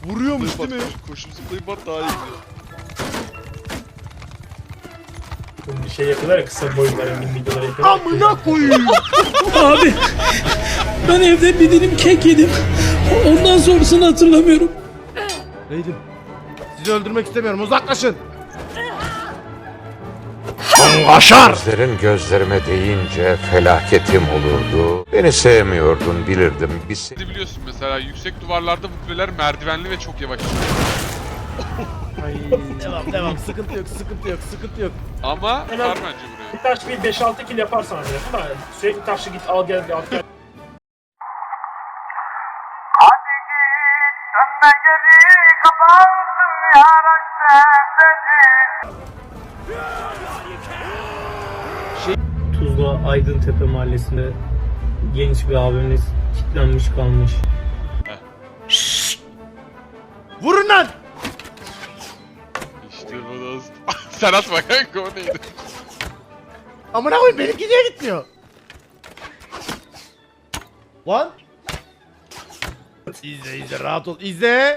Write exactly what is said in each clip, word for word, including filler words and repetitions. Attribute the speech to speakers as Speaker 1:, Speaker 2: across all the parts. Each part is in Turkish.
Speaker 1: Vuruyormuş değil mi?
Speaker 2: Koşup zıplayıp bat daha iyi gidiyor.
Speaker 3: Bir şey yapıyorlar ya, kısa boyunlara, min videoları yapıyorlar.
Speaker 1: Amına koyayım.
Speaker 4: Abi ben evde bir dilim kek yedim. Ondan sonrasını hatırlamıyorum.
Speaker 1: Neydim? Sizi öldürmek istemiyorum. Uzaklaşın.
Speaker 5: Gözlerin gözlerime değince felaketim olurdu. Beni sevmiyordun bilirdim. Biz...
Speaker 2: Biliyorsun mesela yüksek duvarlarda bu kuleler merdivenli ve çok yavaş.
Speaker 1: Devam devam. Sıkıntı yok, sıkıntı yok, sıkıntı yok.
Speaker 2: Ama
Speaker 3: Hemen-
Speaker 2: var bence buraya.
Speaker 3: Bir taş bir beş altı kill yaparsan abi ama sürekli taşı git al gel al gel.
Speaker 6: Hadi git dönme geri kapansın yaraş
Speaker 3: Tuzla Aydıntepe mahallesinde genç bir abimiz kilitlenmiş kalmış.
Speaker 1: Vurun lan.
Speaker 2: İşte bu dostum. Sen atma kanka, o neydi?
Speaker 1: Amına koyayım, benimki niye gitmiyor? Lan. İzle izle, rahat ol. İzle.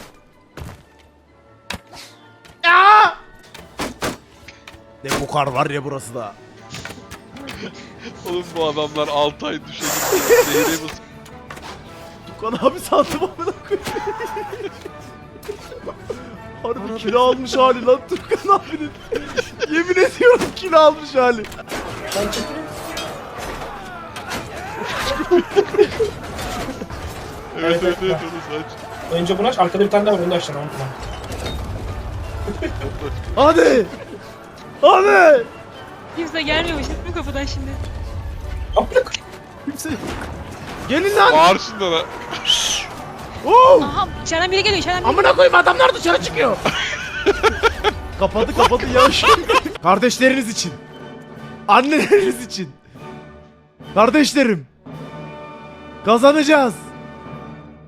Speaker 1: Ya! Ne bokar var ya burası da.
Speaker 2: Oğlum bu adamlar altı ay düşe gitti. Zehre basıp.
Speaker 1: Tukan abi sandım amına koyayım. Harbi kilo almış hali lan Tukan abinin. Yemin ediyorum kilo almış hali.
Speaker 3: Ben çekilin.
Speaker 2: Evet evet evet onu saç.
Speaker 3: Önce bunu aç, arkada bir tane daha var, onu da açacağım unutma.
Speaker 1: Hadi. Hadi.
Speaker 7: Kimse gelmiyormuş değil mi kapıdan şimdi?
Speaker 3: Aplık.
Speaker 1: Kimse yok. Gelin lan.
Speaker 2: Bağır şunlara.
Speaker 1: Oo.
Speaker 7: Aha içeriden biri geliyor içeriden biri.
Speaker 1: Amına koyayım, adamlar dışarı çıkıyor. kapadı kapadı yavaş. Kardeşleriniz için. Anneleriniz için. Kardeşlerim. Kazanacağız.